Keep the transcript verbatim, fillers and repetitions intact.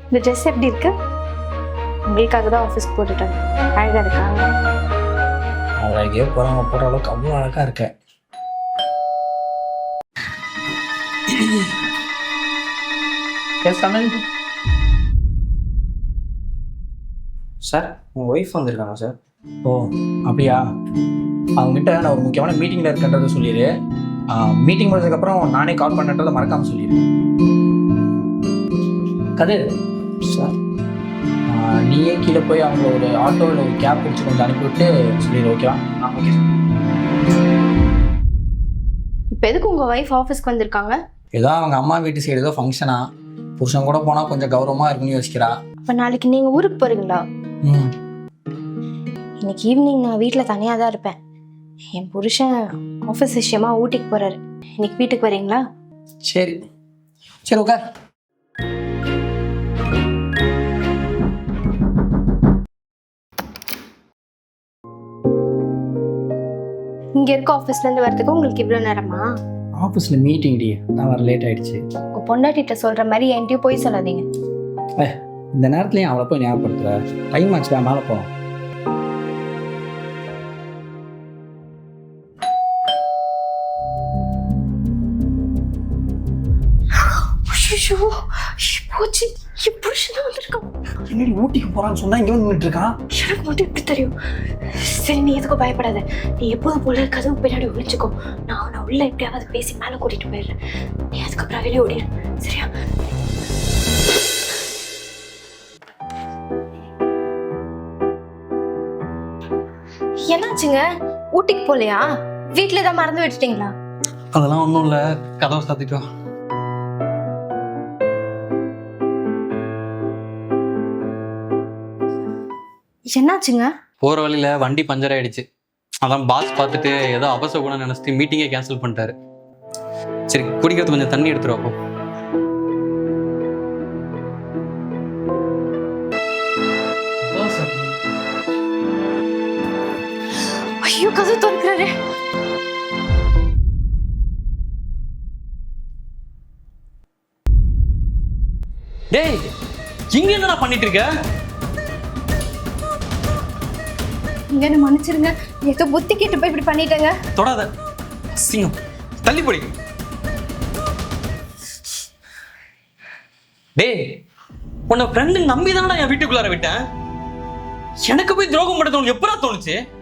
இந்த ட்ரெஸ் எப்படி இருக்கு? உங்களுக்காக தான் ஆஃபீஸ்க்கு போட்டுட்டேன். அழகா இருக்கா? அழகே போகிறவங்க போகிற அளவுக்கு அவ்வளோ அழகாக இருக்கேன். எஸ் கமல் சார், உங்கள் ஒய்ஃப் வந்திருக்காங்க சார். ஓ அப்படியா? அவங்ககிட்ட நான் ஒரு முக்கியமான மீட்டிங்கில் இருக்கன்றதை சொல்லிடு. மீட்டிங் முடிஞ்சதுக்கப்புறம் நானே கால் பண்ணுறதை மறக்காமல் சொல்லிடு. கதிர் சார், நீயே கீழே போய் அவங்கள ஒரு ஆட்டோ இல்லை ஒரு கேப் பிடிச்சி கொஞ்சம் அனுப்பிவிட்டு சொல்லிடு. ஓகேவா? ஆ ஓகே சார். இப்போ எதுக்கு உங்கள் ஒய்ஃப் ஆஃபீஸ்க்கு வந்திருக்காங்க? ஏதோ அவங்க அம்மா வீட்டு சைடு ஏதோ ஃபங்க்ஷனா, புருஷன் கூட போனால் கொஞ்சம் கௌரவமாக இருக்குன்னு யோசிக்கிறா. அப்போ நாளைக்கு நீங்கள் ஊருக்கு போகிறீங்களா? ம் இன்னைக்கு ஈவினிங் நான் வீட்டில் தனியாக தான் இருப்பேன். என் புருஷன் ஆஃபீஸ் விஷயமா ஊட்டிக்கு போகிறாரு. இன்னைக்கு வீட்டுக்கு வரீங்களா? சரி சரி உட்கார். இங்கே இருக்க ஆஃபீஸ்லேருந்து வரதுக்கு உங்களுக்கு இவ்வளோ நேரமா? ஆஃபீஸில் மீட்டிங் டி, நான் வர லேட் ஆகிடுச்சு. உங்கள் பொண்டாட்டிகிட்ட சொல்கிற மாதிரி என்கிட்டயும் போய் சொல்லாதீங்க. ஏ இந்த நேரத்துலையும் அவளை போய் ஞாபகப்படுத்துகிற. டைம் ஆச்சு, தான் மேலே போகலாம். ஐயோ போச்சு, என் புருஷன் தான் வந்திருக்கான். என்னடி ஊட்டிக்கு போகிறான்னு சொன்னால் இங்கே வந்து நின்றுட்டு இருக்கான்? எனக்கு மட்டும் எப்படி தெரியும்? சரி நீ எதுக்கும் பயப்படாத. நீ எப்போதும் போல கதவு பின்னாடி ஒழிச்சுக்கோ. நான் அவனை உள்ள எப்படியாவது பேசி மேலே கூட்டிட்டு போயிடுறேன். நீ அதுக்கப்புறம் வெளியே ஓடிடு, சரியா? என்னாச்சுங்க? ஊட்டிக்கு போலையா? வீட்டுல தான் மறந்து விட்டுட்டீங்களா? அதெல்லாம் ஒன்றும் இல்லை, கதவை சாத்திட்டு வா. என்னாச்சுங்க? போகிற வழியில் வண்டி பஞ்சர் ஆயிடுச்சு. அதான் பாஸ் பார்த்துட்டு ஏதோ அவசகுணம் நினச்சிட்டு மீட்டிங்கே கேன்சல் பண்ணிட்டாரு. சரி குடிக்கிறது கொஞ்சம் தண்ணி எடுத்துருவோம். ஐயோ கதவு திறக்கிறாரு. டேய் இங்க என்னடா பண்ணிட்டு இருக்க? இங்க என்ன மன்னிச்சிருங்க, ஏதோ புத்தி கேட்டு போய் இப்படி பண்ணிட்டேங்க. தொடாத சிங்கம், தள்ளி போடி. டேய் உன்னை ஃப்ரெண்டு நம்பி தானடா என் வீட்டுக்குள்ளார விட்டேன். எனக்கு போய் துரோகம் பண்ண தோணுது எப்படா தோணுச்சு?